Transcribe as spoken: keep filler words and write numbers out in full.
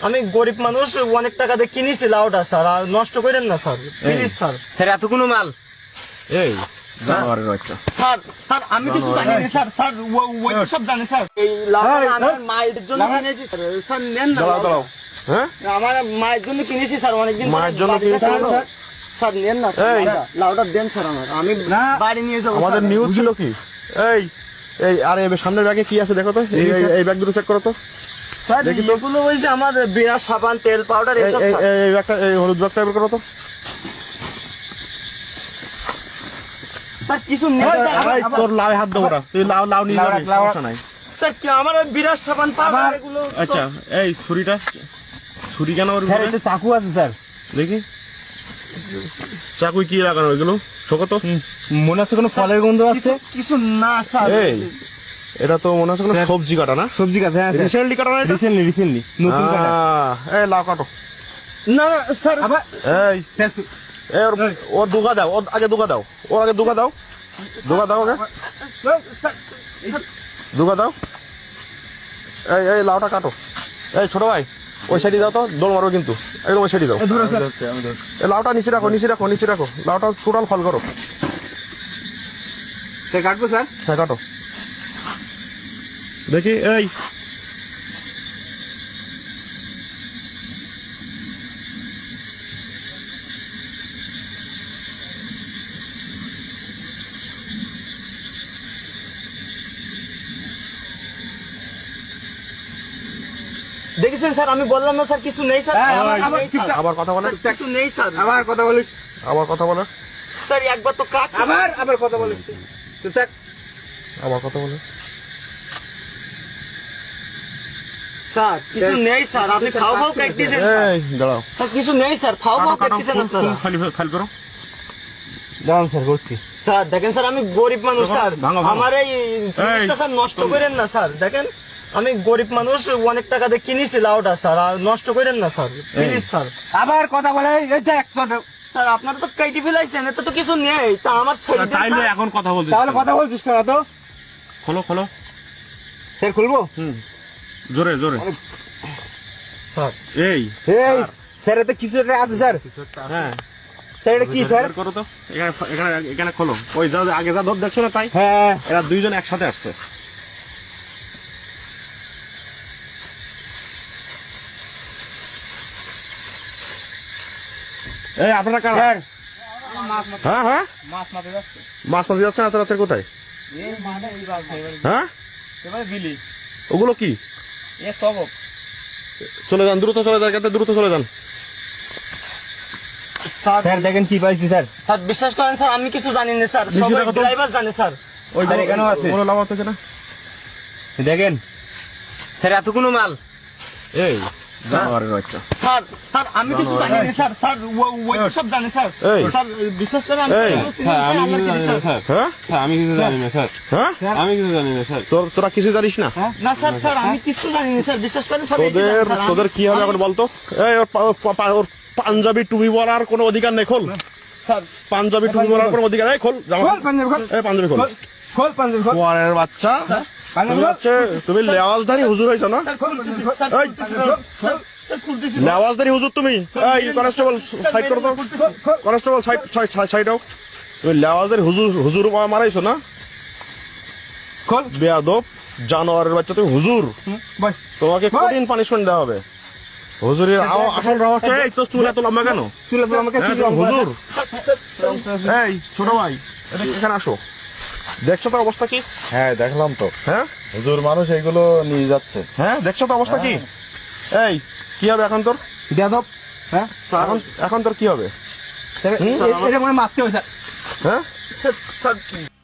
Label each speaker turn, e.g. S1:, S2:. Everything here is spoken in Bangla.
S1: আমি গরিব মানুষ, অনেক টাকা দিয়ে কিনেছি লাউটা স্যার, আর নষ্ট করেন না স্যার, প্লিজ স্যার।
S2: স্যার এত কোনো মাল
S3: এই জানোয়ারের বাচ্চা।
S1: স্যার স্যার আমি কিছু জানি না স্যার, স্যার ও- ওই সব জানে স্যার। এই লাউটা আমার মায়ের জন্য কিনেছি স্যার, স্যার নেন না।
S3: দাঁড়াও দাঁড়াও, হ্যাঁ
S1: আমার মায়ের জন্য কিনেছি স্যার, অনেকদিন ধরে
S3: মায়ের জন্য
S1: বাড়িতে
S3: কিনেছেন?
S1: ছিল। স্যার নেন না স্যার,
S3: এই।
S1: লাউটা- লাউটা দেন স্যার আমার, আমি বাড়ি নিয়ে যাবো।
S3: আমাদের
S1: স্যার।
S3: নিউজ ছিল কি? এই এই আর এই সামনের ব্যাগে কি আছে দেখো তো, এই এই- এই ব্যাগ দুটো চেক করো তো।
S1: স্যার
S3: দেখি তো।
S1: এগুলো ওই যে আমার বিরাট সাবান, তেল, পাউডার
S3: এই
S1: এসব
S3: এই-
S1: স্যার।
S3: এই ব্যাগটা, এই হলুদ ব্যাগটা বের করো তো।
S1: স্যার কিছু নেই স্যার,
S3: এই,
S1: আমার-
S3: তোর লাউ হাত দেবো না, তুই লাউ লাউ নিয়ে যাবি, সমস্যা নাই।
S1: স্যার কি আমার ওই বিরাট সাবান, পাউডার এগুলো তো-
S3: আচ্ছা এই ছুরিটা, ছুরি কেন ওর
S2: স্যার
S3: ভিতরে?
S2: এটা চাকু আছে স্যার।
S3: দেখি চাকুই কি লাগানো এগুলো, শোকো তো।
S2: মনে হচ্ছে কোনো ফলের গন্ধ আছে।
S1: কিছু- কিছু না স্যার।
S3: এই এটা তো মনে হচ্ছে কোনো
S2: স্যার।
S3: সবজি কাটা না,
S2: সবজি গাছ, হ্যাঁ স্যার
S3: রিসেন্টলি কাটা না এটা?
S2: রিসেন্টলি রিসেন্টলি নতুন কাটা।
S3: আহ, এই লাউ কাটো।
S1: না না স্যার,
S2: আবার
S3: এই
S2: স্যার
S3: এই ওর ওর দুগা দাও, ওর আগে দুগা দাও, ওর আগে দুগা দাও, দুগা দাও ওকে,
S1: স্যার,
S3: দুগা দাও। এই এই লাউটা কাটো। এই ছোট ভাই ওই সাইডে দাও তো, দৌড় মারো কিন্তু, একদম ওই সাইডে দাও।
S2: দূরে স্যার।
S3: এই লাউটা নিচে রাখো, নিচে রাখো, নিচে রাখো, লাউটা টোটাল ফল করো।
S2: স্যার কাটবো স্যার।
S3: হ্যাঁ কাটো দেখি। এই
S1: দেখেছেন স্যার, আমি বললাম না স্যার কিছু নেই স্যার,
S2: হ্যাঁ,
S1: আমার-
S2: আবার-
S1: আমার নেই স্যার।
S3: আবার কথা বলে,
S1: কিছু নেই স্যার।
S2: আবার কথা বলিস।
S3: আবার কথা বলে,
S1: স্যার একবার তো কাজ
S2: আবার আবার কথা বলিস। তুই থাক।
S3: আবার কথা বলে।
S1: স্যার কিছু নেই স্যার, আপনি খাও খাও প্র্যাকটিসেন
S3: এই দাঁড়াও,
S1: স্যার, কিছু নেই স্যার, খাও খাও প্র্যাকটিসেন আপনারা।
S3: ফাইল ফাইল করো।
S2: দাঁড়ান স্যার করছি।
S1: স্যার দেখেন স্যার, আমি গরিব মানুষ স্যার,
S3: ভাঙো, ভাঙো।
S1: আমার এই জিনিসটা স্যার নষ্ট করেন না স্যার। দেখেন আমি গরিব মানুষ, অনেক টাকা দিয়ে কিনেছি লাউটা স্যার, আর নষ্ট করেন না স্যার, প্লিজ স্যার।
S2: আবার কথা বলে এই দেখ
S1: স্যার আপনারা তো কেটে ফেলাইছেন, এতে তো কিছু নেই, তা আমার ছেড়ে দেন
S3: তাইলে
S1: স্যার।
S3: এখন কথা বলছিস
S2: তাহলে
S3: কেন?
S2: কথা বলছিস কেন তো?
S3: খোলো খোলো,
S2: স্যার খুলবো?
S3: হুম জোরে জোরে।
S1: স্যার
S3: এই
S2: এই স্যার এতে কিছু একটা আছে স্যার।
S3: হ্যাঁ
S2: স্যার এটা কি স্যার?
S3: বের করো তো, এখানে এখানে এখানে খোলো। ওই যা আগে যা ধর দেখছো না তাই,
S2: হ্যাঁ
S3: এরা দুইজন একসাথে আসছে। এই আপনারা কারা?
S2: স্যার
S3: হ্যাঁ হ্যাঁ
S2: মাছ মাপে যাচ্ছে।
S3: মাছ মাছ যাচ্ছে না, এত রাতের কোথায়?
S2: এই মানে এই বালছে এবারে
S3: হ্যাঁ
S2: এবারে বিলি
S3: ওগুলো কি?
S2: এ সব
S3: চলে যান, দ্রুত চলে যান, যাতে দ্রুত চলে যান।
S2: স্যার দেখেন কি পাইছি স্যার।
S1: স্যার বিশ্বাস করেন স্যার, আমি কিছু জানি না স্যার,
S3: বেশি
S1: সবাই
S3: টাকা তো-
S1: ড্রাইভার জানে স্যার।
S3: ওই
S2: স্যার, এখানেও আছে।
S3: কোনো লাভ আছে কিনা?
S2: দেখেন স্যার এত কোনো মাল।
S3: এই জানোয়ারের বাচ্চা।
S1: স্যার স্যার আমি কিছু জানি না স্যার, স্যার ও- ওই সব জানে স্যার।
S3: এই।
S1: স্যার বিশ্বাস করেন আমি
S3: এই।
S1: এগুলো চিনি না, স্যার, আল্লাহর কিছু স্যার।
S3: হ্যাঁ
S4: আমি কিছু জানি না স্যার,
S3: হ্যাঁ
S4: আমি কিছু জানি না স্যার।
S3: তোর তোরা কিছু জানিস না?
S1: না স্যার, স্যার আমি কিছু জানি না স্যার, বিশ্বাস করেন সব এই যে
S3: তোদের
S1: স্যার, আমি-
S3: তোদের কি হবে এখন বলতো? এই ওর পা- পা- পা- ওর পাঞ্জাবি টুপি পরার কোনো অধিকার নেই, খোল
S1: স্যার
S3: পাঞ্জাবি টুপি পরার কোনো অধিকার নেই, খোল জামা।
S2: খোল পাঞ্জাবি খোল।
S3: এই পাঞ্জাবি খোল।
S2: খোল পাঞ্জাবি খোল।
S3: ওয়ারের বাচ্চা,
S2: পাঞ্জাবি
S3: তুমি
S2: খোল।
S3: হচ্ছে তুমি লেওয়াজধারী হুজুর হয়েছো না?
S1: স্যার খুলতেছি, স্যার
S3: এই।
S1: খুলতেছি, স্যার, স্যার খুলতেছি।
S3: লেওয়াজধারী হুজুর তুমি। এই কনস্টেবল সাইড করো তো, কনস্টেবল সাইড সাইড সাইড হোক। তুমি লেওয়াজধারী হুজুর হুজুর মারাইছো না?
S2: খোল।
S3: বেয়াদব জানোয়ারের বাচ্চা, তুমি হুজুর,
S2: বস।
S3: তোমাকে কঠিন পানিশমেন্ট দেওয়া হবে। হুজুরের আও- আসল রহস্য এই, তো চুল এত লম্বা কেন?
S2: চুলে তো আমাকে
S3: হ্যাঁ,
S2: কি
S3: তুমি হুজুর।
S2: হুজুর।
S3: এই ছোট ভাই, এটা এখানে আসো। দেখছো তো অবস্থা কি?
S5: হ্যাঁ দেখলাম তো,
S3: হ্যাঁ
S5: হুজুর মানুষ এইগুলো নিয়ে যাচ্ছে।
S3: হ্যাঁ দেখছো তো অবস্থা কি? এই কি হবে এখন তোর?
S2: বেয়াদব। হ্যাঁ
S3: এখন এখন তোর কি হবে?
S2: স্যার
S3: হুম?
S2: এটা মানে মারতে হবে স্যার।
S3: হ্যাঁ
S1: স্যার, স্যার